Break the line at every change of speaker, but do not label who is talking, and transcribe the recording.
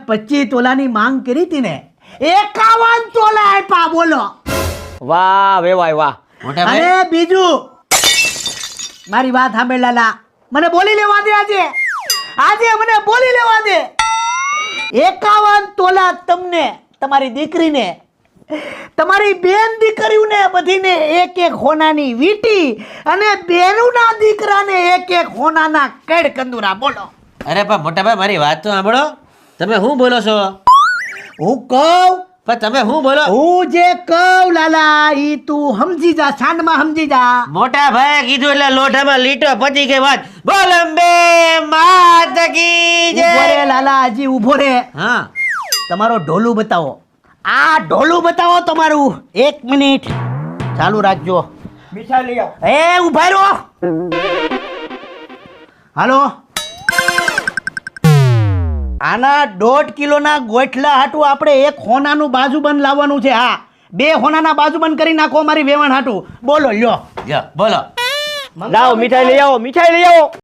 25 તોલાની માંગ કરી હતી ને 51 તોલા આપ્યા બોલો
વાહ વેવાય વાહ
મોટા ભાઈ
અને બીજું મારી વાત સાંભળ લાલા મને બોલી લેવા દે આજે મને બોલી લેવા દે 51 તોલા તમને તમારી દીકરીને તમારી બેન દીકરીઓને બધીને એક એક હોનાની વીટી અને બેનુના દીકરાને એક એક હોનાના કેડ કંદુરા બોલો
અરે પણ મોટા ભાઈ મારી વાત તો સાંભળો તમે શું બોલો છો
હું કહું
પણ તમે શું બોલો
હું જે કહું લાલા ઈ તું સમજી જા છાંડમાં સમજી જા
મોટા ભાઈ કીધું એટલે લોઢામાં લીટો પતી ગઈ વાત બોલ અંબે માત કી જય
ઉભો રે લાલા હજી ઉભો રે
હા
તમારો ઢોલું બતાવો આ ઢોલું બતાવો તમારું 1 મિનિટ ચાલુ રાખજો
મીઠાઈ લઈ આવ
એ ઉભા રહો હાલો આના 1.5 કિલોના ગોઠલા હાટું આપણે એક હોનાનું બાજુબંધ લાવવાનું છે હા 2 હોનાના બાજુબંધ કરી નાખો મારી વેવાણ હાટું બોલો લ્યો
બોલો
લાવો મીઠાઈ લઈ આવો